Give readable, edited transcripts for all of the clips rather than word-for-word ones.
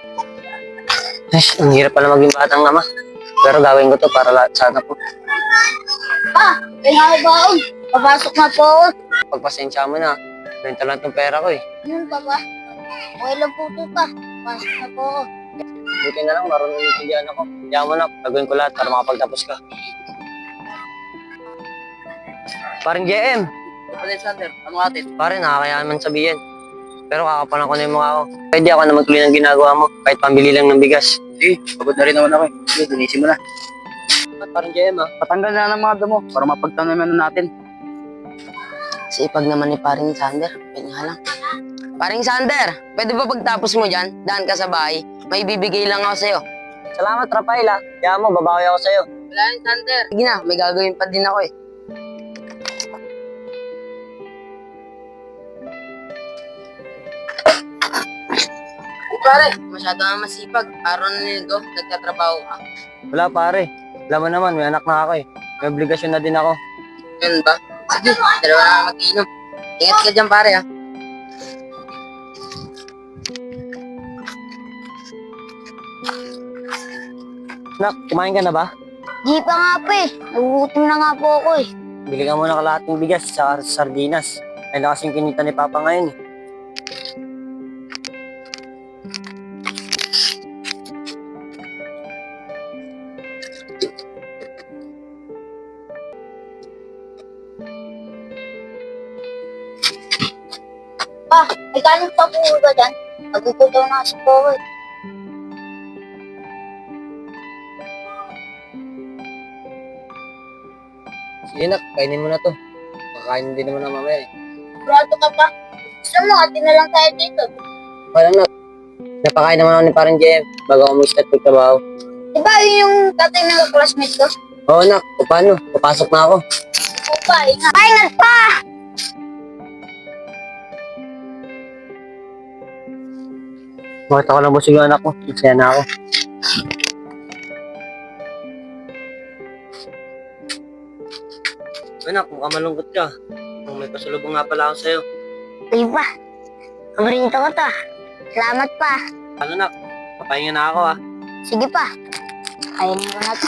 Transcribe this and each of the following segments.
Ay, ang hirap pala maging batang ama. Pero gawin ko to para lahat sana po. Pa, kailangan baon. Papasok na po ako. Pagpasensya mo na. Benta lang tong pera ko eh. Yun pa ba? Okay lang po ito pa. Pasok na po ako. Buti na lang, marunong intindihan ako. Kaya mo na, gagawin ko lahat para makapagtapos ka. Parang JM. Alexander, ano atin? Pare, nakakayaan man sabihin. Pero kakapalan ko na yung mukha ko. Pwede ako na magtuloy ng ginagawa mo, kahit pambili lang ng bigas. Sige, pagod na rin naman ako eh. Sige, dinisin mo na. Parang JM ah. Patanggal na ng mga damo para mapagtanaman natin. Sipag naman ni paring Sander. Pwede nga lang. Paring Sander, pwede ba pagtapos mo dyan, daan ka sa bahay? May bibigay lang ako sa'yo. Salamat, Rafael ah. Kaya mo, babawi ako sa'yo. Wala yun, Sander. Sige na, may gagawin pa din ako eh. Pare, masyado na masipag. Araw na nito, nagtatrabaho ka. Wala pare. Alam mo naman, may anak na ako eh. May obligasyon na din ako. Yun ba? Sige, dalawa na mag-inom. Ingat ka dyan, pare ah. Nak, kumain ka na ba? Di pa nga po eh. Nagugutom na nga po ako eh. Bili ka muna kalahating bigas sa sardinas. Ay na kasing kinita ni Papa ngayon eh. Pa, may kanin pa po ba dyan? Nagugutom na kasi po ako eh. Sige nak, kainin mo na to. Kakainin din naman na mamaya eh. Sigurado ka pa? Gusto mo, atin na lang tayo dito. Wala nak. Napakain naman ako ni parang JM bago ako mag-start magtrabaho. Diba yun yung tatay ng classmate ko? Oo nak, o paano? Papasok na ako. Oo pa, ingat. Pa, ingat pa! Bakit ako lang busog yung anak ko? Masaya na ako. Anak, mukhang malungkot ka. Kung may pasalubong nga pala ako sa'yo. Ay pa, paborito ko to. Salamat pa. Ano nak, papahinga na ako ah. Sige pa. Kainin ko na to.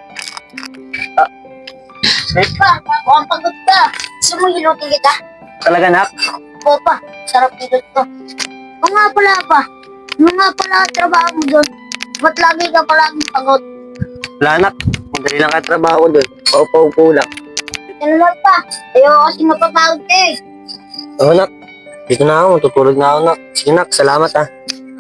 Eh, Pa, mukhang pagod ka. Gusto mo hilutin kita? talaga nak? Oo pa, sarap dito to. Oo nga pala pa. Ano nga pala ang trabaho mo doon? Ba't lagi ka palaging pagod? Wala nak, madali lang ka trabaho doon. Paupo-upo lang. Ito naman pa. Ayaw kasi mapapagod ka eh. Oo nak, dito na ako, matutulog na ako nak. Sige nak, salamat ah.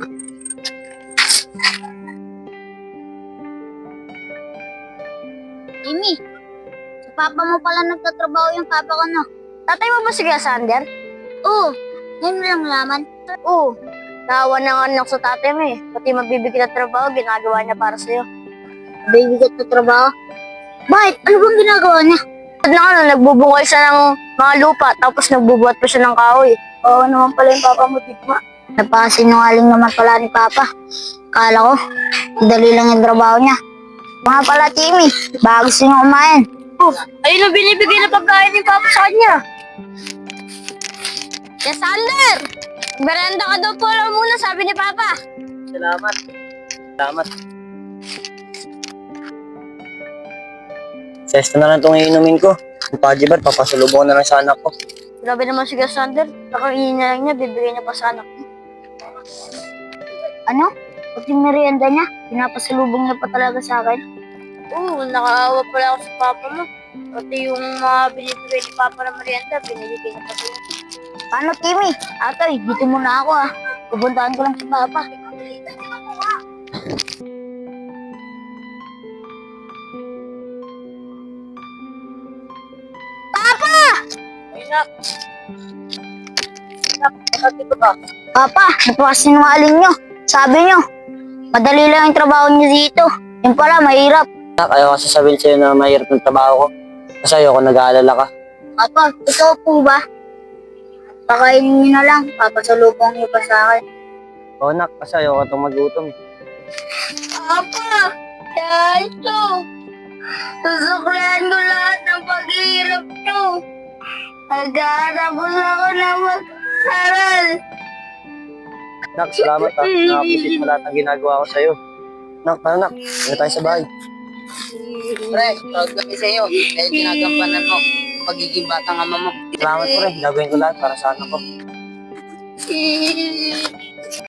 Amy, sa papa mo pala nagtatrabaho yung papa ko, no? Tatay mo ba si Kuya Sander? Oo. Ngayon mo lang nalaman? Oo. Naawa na nga anak sa tatay mo eh. Pati mabibigyan na trabaho, ginagawa niya para sa'yo. Mabibigyan na trabaho? Bakit? Ano bang ginagawa niya? At na ano, nagbubungay siya ng mga lupa, tapos nagbubuhat pa siya ng kahoy. Oo naman pala yung papa mo, Tigma. Napasinungaling naman pala ni papa. Kala ko, dali lang yung trabaho niya. Mga pala, Timmy, baka gusto niyo kumain. Oh, ayun ang binibigay na pagkain ni Papa sa kanya. Yes, Sander! Berenda ka daw po lang muna, sabi ni Papa. Salamat. Salamat. Sesto na lang itong iinumin ko. Yung Pajibar, papasalubong ko na lang sa anak ko. Grabe naman si Kuya Sander. Kakainin na lang niya, bibigay niya pa sa anak niya. Ano? Pati merienda niya, pinapasalubong niya pa talaga sa akin. Oo, nakaawa pala ako sa Papa mo. Pati yung mga binibigay ni Papa na merienda, binibigay niya pa sa'yo. Paano, Timmy? Atoy, dito muna ako ah. Pupuntahan ko lang si Papa. Papa! Ay nak. Nak, nakati ko ba? Papa, napasinungaling niyo. Sabi niyo, madali lang yung trabaho niyo dito. Yung pala, mahirap. Nak, ayaw kasi sabihin sa'yo na mahirap ng trabaho ko. Kasi ayoko nag-aalala ka. Papa, ito po ba? Pakainin niyo na lang. Papasalubong niyo pa sa akin. Oo nak, kasi ayoko itong magutom. Papa, kaya ito. Susuklihan ko lahat ng paghihirap niyo. Naghahanap ako na mag-aral. Nak, salamat ha. Na-appreciate mo lahat ng ginagawa ko sa'yo. Nak, tara nak. Hindi tayo sa bahay. Pre, proud kami sa'yo. Dahil ginagampanan mo pagiging batang ama mo. Salamat pre. Gagawin ko lahat para sa anak ko.